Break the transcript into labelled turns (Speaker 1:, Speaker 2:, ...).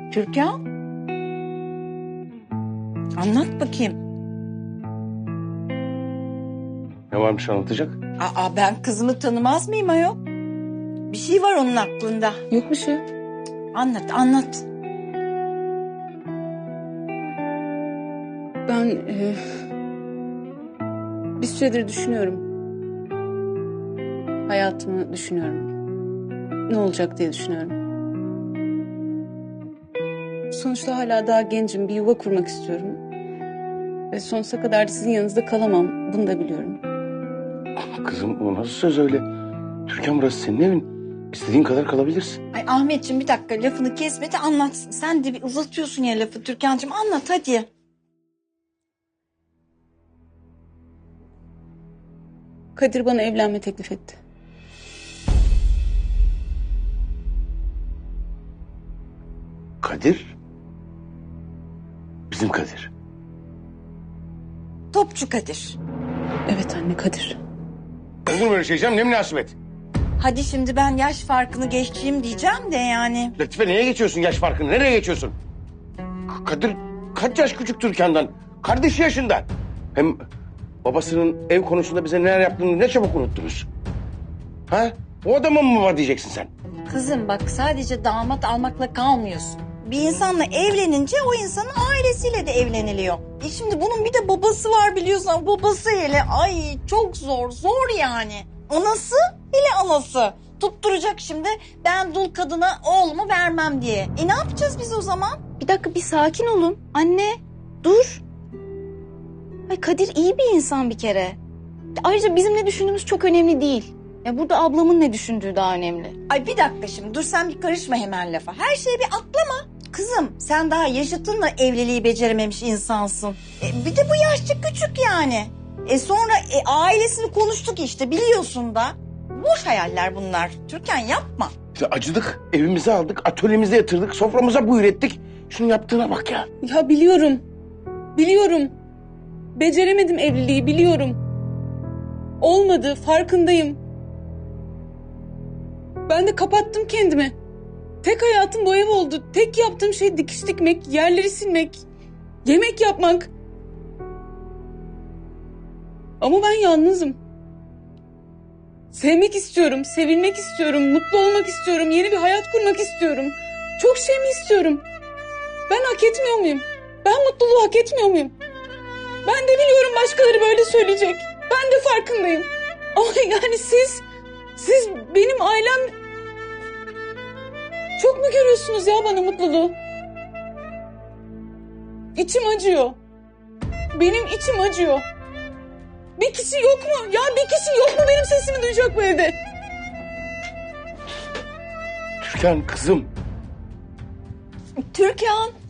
Speaker 1: Türkan? Anlat bakayım.
Speaker 2: Ne varmış anlatacak?
Speaker 1: Ben kızımı tanımaz mıyım ayol? Bir şey var onun aklında.
Speaker 3: Yok bir şey.
Speaker 1: Anlat.
Speaker 3: Ben bir süredir düşünüyorum. Hayatımı düşünüyorum. Ne olacak diye düşünüyorum. Sonuçta hala daha gencim. Bir yuva kurmak istiyorum. Ve sonsuza kadar sizin yanınızda kalamam. Bunu da biliyorum.
Speaker 2: Kızım o nasıl söz öyle? Türkan burası senin evin. İstediğin kadar kalabilirsin.
Speaker 1: Ay Ahmetciğim bir dakika lafını kesme de anlatsın. Sen de bir uzatıyorsun ya lafı Türkan'cığım anlat hadi.
Speaker 3: Kadir bana evlenme teklif etti.
Speaker 2: Kadir? Bizim Kadir.
Speaker 1: Topçu Kadir.
Speaker 3: Evet anne, Kadir.
Speaker 2: Olur mu öyle şey canım? Ne münasebet?
Speaker 1: Hadi şimdi ben yaş farkını geçeyim diyeceğim de yani.
Speaker 2: Latife neye geçiyorsun yaş farkını? Nereye geçiyorsun? Kadir kaç yaş küçük Türkan'dan? Kardeşi yaşında. Hem babasının ev konusunda bize neler yaptığını ne çabuk unuttunuz. Ha? O adamın mı var diyeceksin sen?
Speaker 1: Kızım bak sadece damat almakla kalmıyorsun. Bir insanla evlenince o insanın ailesiyle de evleniliyor. Şimdi bunun bir de babası var biliyorsun. Babası hele ay çok zor yani. Anası hele anası. Tutturacak şimdi ben dul kadına oğlumu vermem diye. Ne yapacağız biz o zaman?
Speaker 4: Bir dakika bir sakin olun. Anne dur. Ay Kadir iyi bir insan bir kere. Ayrıca bizim ne düşündüğümüz çok önemli değil. Ya burada ablamın ne düşündüğü daha önemli.
Speaker 1: Ay bir dakika şimdi dur sen bir karışma hemen lafa. Her şeyi bir atlama. Kızım sen daha yaşıtınla evliliği becerememiş insansın. Bir de bu yaşça küçük yani. Sonra ailesini konuştuk işte biliyorsun da. Boş hayaller bunlar. Türkan yapma.
Speaker 2: İşte acıdık, evimize aldık, atölyemize yatırdık, soframıza buyur ettik. Şunun yaptığına bak ya.
Speaker 3: Ya biliyorum. Biliyorum. Beceremedim evliliği, biliyorum. Olmadı, farkındayım. Ben de kapattım kendimi. Tek hayatım bu ev oldu. Tek yaptığım şey dikiş dikmek, yerleri silmek, yemek yapmak. Ama ben yalnızım. Sevmek istiyorum, sevilmek istiyorum, mutlu olmak istiyorum, yeni bir hayat kurmak istiyorum. Çok şey mi istiyorum? Ben hak etmiyor muyum? Ben mutluluğu hak etmiyor muyum? Ben de biliyorum başkaları böyle söyleyecek. Ben de farkındayım. Ama yani siz benim ailem... Çok mu görüyorsunuz ya bana mutluluğu? İçim acıyor. Benim içim acıyor. Bir kişi yok mu? Ya bir kişi yok mu benim sesimi duyacak bu evde?
Speaker 2: Türkan kızım.
Speaker 1: Türkan